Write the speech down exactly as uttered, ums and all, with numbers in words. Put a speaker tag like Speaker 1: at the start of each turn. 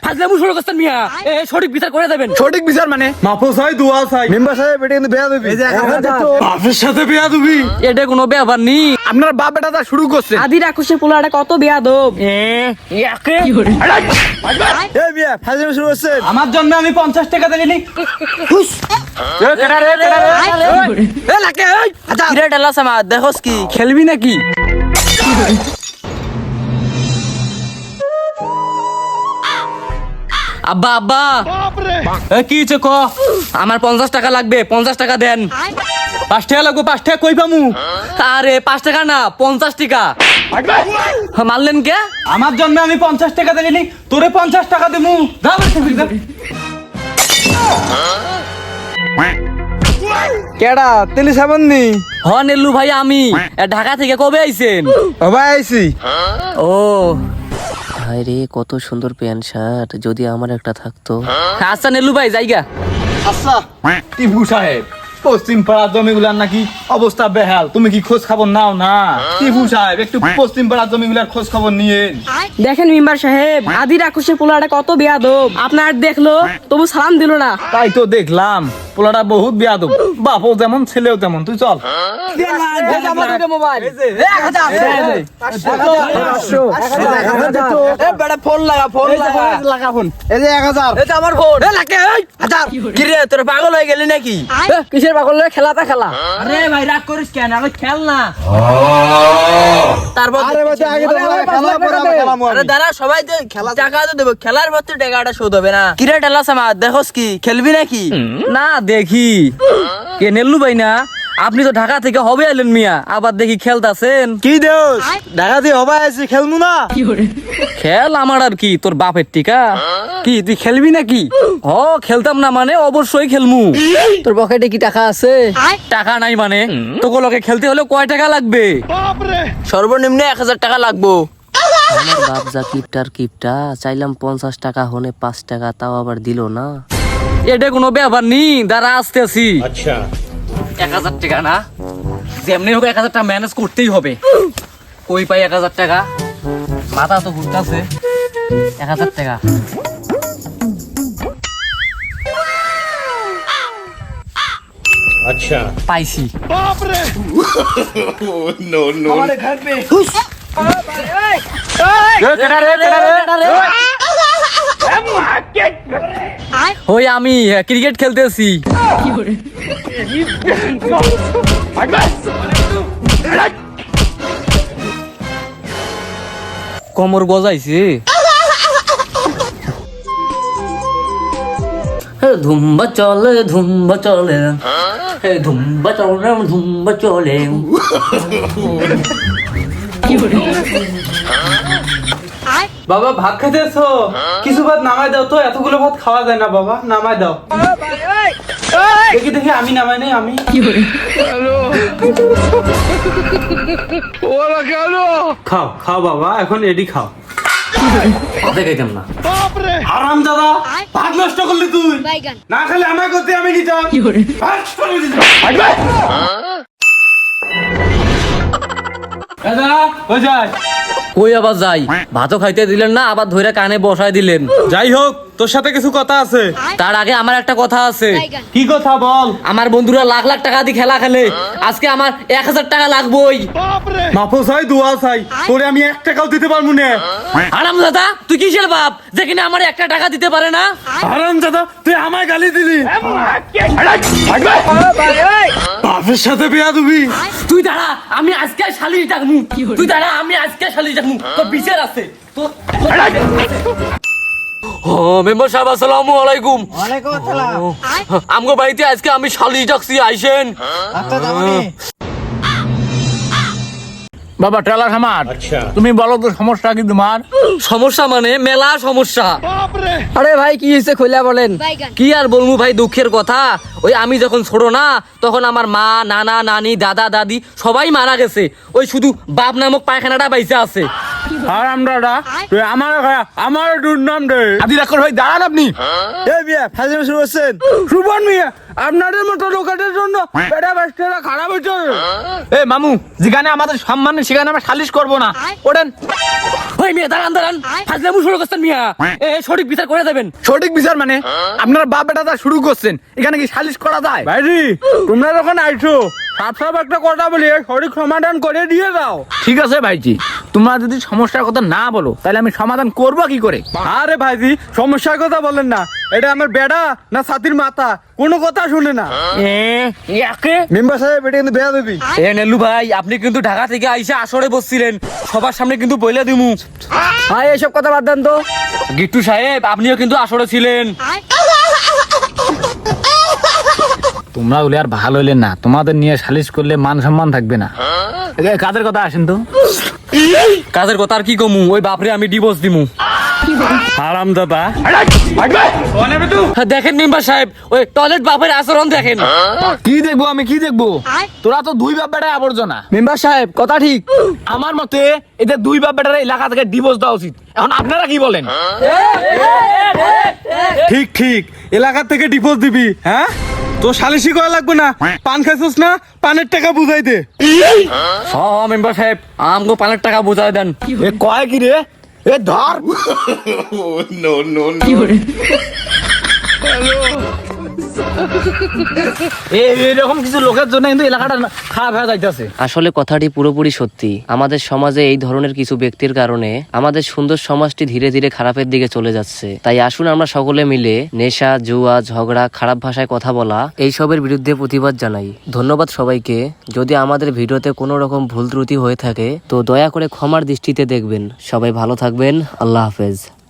Speaker 1: ফাজলামু শুরু করছেন মিয়া। এ সঠিক বিচার করে দেবেন।
Speaker 2: সঠিক বিচার মানে
Speaker 3: মাফো চাই দোয়া চাই
Speaker 2: মেম্বার সাহেব এটা কিন্তু বেয়া দিবি
Speaker 3: বাপের সাথে বিয়া দিবি
Speaker 1: এটা কোনো ব্যাপার নি।
Speaker 2: আপনার বাপ বেটা তা শুরু করছে
Speaker 4: আদি রাক্ষসে পোলাটা কত বেয়াদব।
Speaker 1: এ ইয়াকে
Speaker 2: এই মিয়া ফাজলামি শুরু করছেন
Speaker 3: আমার জন্য আমি পঞ্চাশ টাকা দিলি
Speaker 2: এ লাকে এই আচ্ছা
Speaker 1: কিরে ডালা সামা দেখোস কি খেলবি নাকি? আব্বা আব্বা
Speaker 3: এ কি হইছে ক
Speaker 1: আমার পঞ্চাশ টাকা লাগবে, পঞ্চাশ টাকা দেন।
Speaker 3: পাঁচ টাকা লাগবো পাঁচ টাকা কই পামু
Speaker 1: আরে পাঁচ টাকা না পঞ্চাশ টাকা। মারলেন কে?
Speaker 3: আমার জন্য আমি পঞ্চাশ টাকা দিলি তোরে পঞ্চাশ টাকা দিমু যা বাড়ি থেকে, যা।
Speaker 2: কেডা তেলি সাবাননি
Speaker 1: হ নেল্লু ভাই আমি এ, ঢাকা থেকে কবে আইছেন?
Speaker 2: ও ভাই আইছি
Speaker 1: ও
Speaker 5: হায় রে কত সুন্দর প্যান্ট শার্ট, যদি আমার একটা থাকতো।
Speaker 1: আচ্ছা নেল্লু ভাই জায়গা।
Speaker 3: আচ্ছা টিপু সাহেব পশ্চিম পাড়ার জমিগুলার নাকি অবস্থা বেহাল, তুমি কি খোঁজ খবর নাও না? টিপু সাহেব একটু পশ্চিম পাড়ার জমিগুলার খোঁজ খবর নিয়ে
Speaker 4: দেখেন মেম্বার সাহেব আদি রাক্ষসে পোলাটা কত বেয়াদব। আপনার দেখলো তবু সালাম দিল না।
Speaker 3: তাই তো দেখলাম পোলাটা বহুত বেয়াদব, বাপও যেমন ছেলেও তেমন। তুই চল
Speaker 4: মোবাইল
Speaker 2: ফোন লাগা ফোন লাগা ফোন এই যে এক হাজার
Speaker 1: এটা আমার ফোন।
Speaker 2: এ লাকে এই হাজার
Speaker 1: কিরে তোর পাগল হয়ে গেলি নাকি?
Speaker 4: কিসের পাগল খেলাটা খেলা।
Speaker 1: আরে ভাই রাগ করিস কেন, আমি খেল না। তারপর
Speaker 2: আরে ভাই আগে তো খেলা পরে আমরা খেলাম
Speaker 1: আরে দাঁড়া সবাই তো খেলা টাকা তো দেবো, খেলার ভর্তি টাকাটা শোধ হবে না। কিরে ডালা সামা দেখোস কি খেলবি নাকি? না দেখি কে নেল্লু ভাই না? আপনি তো ঢাকা থেকে হবে এলেন মিয়া, আবার দেখি খেলতাছেন।
Speaker 2: কি দেওস ঢাকা দিয়ে হবা আইছি খেলমু না
Speaker 1: খেল আমার আর কি, তোর বাপের টিকা। কি তুই খেলবি নাকি? হ খেলতাম না মানে অবশ্যই খেলমু।
Speaker 4: তোর পকেটে কি টাকা আছে?
Speaker 1: টাকা নাই মানে তোকে লোকে খেলতে হলে কয় টাকা লাগবে? সর্বনিম্ন এক হাজার টাকা লাগবো।
Speaker 5: আমার বাপ যা কিপটার কিপটা, চাইলাম পঞ্চাশ টাকা হনে পাঁচ টাকা, তাও আবার দিল না।
Speaker 1: এটা কোনো ব্যাপার নি, দাঁড়া আসতেছি। আচ্ছা এক হাজার টাকা না, যেমনি হোক এক হাজার টাকা ম্যানেজ করতেই হবে। কই পাই এক হাজার টাকা? মাথা তো ঘুরতেছে। এক হাজার টাকা আচ্ছা পাইছি। ওই আমি ক্রিকেট খেলতেছি। কোমর গজাইছে। ধুম্বা চলে ধুম্বা চলে ধুম্বা চলে ধুম্বা চলে।
Speaker 3: বাবা ভাত খেতে এসো, কিছু ভাত নামাই দাও তো, এতগুলো ভাত খাওয়া যায় না বাবা, নামাই দাও। দেখি দেখি আমি নামাই নেই আমি খাও খাও বাবা, এখন এডি খাও।
Speaker 1: দেখাইতাম না।
Speaker 3: আরাম দাদা ভাত নষ্ট করলি তুই, না খেলে আমায় করতে আমি নিতাম। ভাত ফেলে দিতাম। এ দাদা, হয়ে যায়।
Speaker 1: কই আবার যাই? ভাতও খাইতে দিলেন না, আবার ধরে কানে বসায় দিলেন।
Speaker 3: যাই হোক তোর সাথে কিছু কথা আছে।
Speaker 1: তার আগে আমার একটা কথা আছে।
Speaker 3: কি কথা বল?
Speaker 1: আমার বন্ধুরা লাখ লাখ টাকা দিয়ে খেলা খেলে, আজকে আমার এক হাজার টাকা লাগবেই।
Speaker 3: মাফো চাই দোয়া চাই, তোরে আমি এক টাকাও দিতে পারবো না।
Speaker 1: আরাম দাদা তুই কিসের বাপ যে কিনা আমার একটা টাকা দিতে পারে না?
Speaker 3: আরাম দাদা তুই আমায় গালি দিলি, বাপের সাথে বিয়া দিবি।
Speaker 1: তুই দাঁড়া আমি আজকে শালিশ ডাকমু। তুই দাঁড়া আমি আজকে শালিশ ডাকমু, তোর বিচার আছে। তোর ও মেম্বার সাহেব আসসালামু আলাইকুম।
Speaker 2: ওয়ালাইকুম আসসালাম
Speaker 1: আমগো বাড়িতে আজকে আমি শালিশ ডাকছি, আইসেন।
Speaker 2: আচ্ছা দামানি
Speaker 3: বাবা টেলার আমার, তুমি বলো তো সমস্যা কি তোমার?
Speaker 1: সমস্যা মানে মেলা সমস্যা।
Speaker 4: আরে ভাই কি হয়েছে খুলে বলেন।
Speaker 1: কি আর বলবো ভাই, দুঃখের কথা। ওই আমি যখন ছোট না তখন আমার মা নানা নানি দাদা দাদি সবাই মারা গেছে, ওই শুধু বাপ নামক পায়খানাটা বাইসে আছে।
Speaker 2: হারাম দাদা তুই আমার আমার দুর্নাম দে
Speaker 3: আদি রাখর ভাই দাঁড়ান আপনি
Speaker 2: এই মিয়া ফাজিল শুরু করছেন সুবন মিয়া আপনাদের মতো লোকেদের জন্য বেটা বাচ্চারা খারাপ হচ্ছে
Speaker 3: এ মামু যেখানে আমাদের সম্মান নেই, সেখানে আমরা সালিশ করব না। ওঠেন।
Speaker 1: ওই মিয়া দাঁড়ান দাঁড়ান ফাজলামু শুরু করছেন মিয়া এ সঠিক বিচার করে দেবেন।
Speaker 3: সঠিক বিচার মানে আপনারা বাপ বেটা তা শুরু করছেন, এখানে কি সালিশ করা যায়?
Speaker 2: ভাইজি তোমরা যখন আইছো সাপ সাপ একটা কথা বলি সঠিক সমাধান করে দিয়ে দাও।
Speaker 3: ঠিক আছে ভাইজি, তোমরা যদি সমস্যার কথা না বলো তাহলে আমি সমাধান করব কি করে?
Speaker 2: আরে ভাইজি সমস্যার কথা বলেন না, এটা আমার বেড়া না ছাতির মাথা কোনো কথা শুনে না।
Speaker 1: এ ইয়াকে
Speaker 2: মেম্বার সাহেব এটা কিন্তু বেয়া দেবি।
Speaker 1: এ নেলু ভাই আপনি কিন্তু ঢাকা থেকে আইসা আসরে বসছিলেন, সবার সামনে কিন্তু বইলা দিমু।
Speaker 2: ভাই এসব কথা বাদ দেন তো।
Speaker 1: গিট্টু সাহেব আপনিও কিন্তু আসরে ছিলেন।
Speaker 3: তোমরা বলে আর ভালো হইলেন না, তোমাদের নিয়ে সালিশ করলে মান সম্মান থাকবে না। এ, কাদের কথা আসেন তো।
Speaker 1: কাজের কথা আর কি কমু, ওই বাপরে আমি ডিভোর্স দিমু।
Speaker 2: হারাম দাদা
Speaker 1: দেখেন মেম্বার সাহেব ওই টয়লেট বাপের আচরণ দেখেন।
Speaker 3: কি দেখবো আমি, কি দেখবো? তোরা তো দুই বাপ বেটা আবর্জনা।
Speaker 2: মেম্বার সাহেব কথা ঠিক।
Speaker 3: আমার মতে এদের দুই বাপ বেটার এলাকা থেকে ডিভোর্স দেওয়া উচিত। এখন আপনারা কি বলেন?
Speaker 2: ঠিক ঠিক এলাকা থেকে ডিভোর্স দিবি। হ্যাঁ তো সালিশি করা লাগবে না, পান খাইছিস না পানের টাকা বুঝাই দে।
Speaker 1: হ মেম্বার সাহেব আমগো পানের টাকা বুঝাই দেন।
Speaker 3: এ কয় কি রে? এ ধর। এরকম কিছু লোকের জন্য কিন্তু এলাকাটা খারাপ হয়ে যাইতেছে।
Speaker 5: আসলে কথাটি পুরোপুরি সত্যি। আমাদের সমাজে এই ধরনের কিছু ব্যক্তির কারণে আমাদের সুন্দর সমাজটি ধীরে ধীরে খারাপের দিকে চলে যাচ্ছে। তাই আসুন আমরা সকলে মিলে নেশা, জুয়া, ঝগড়া, খারাপ ভাষায় কথা বলা এইসবের বিরুদ্ধে প্রতিবাদ জানাই। ধন্যবাদ সবাইকে। যদি আমাদের ভিডিওতে কোনো রকম ভুল ত্রুটি হয়ে থাকে তো দয়া করে ক্ষমার দৃষ্টিতে দেখবেন। সবাই ভালো থাকবেন। আল্লাহ হাফেজ।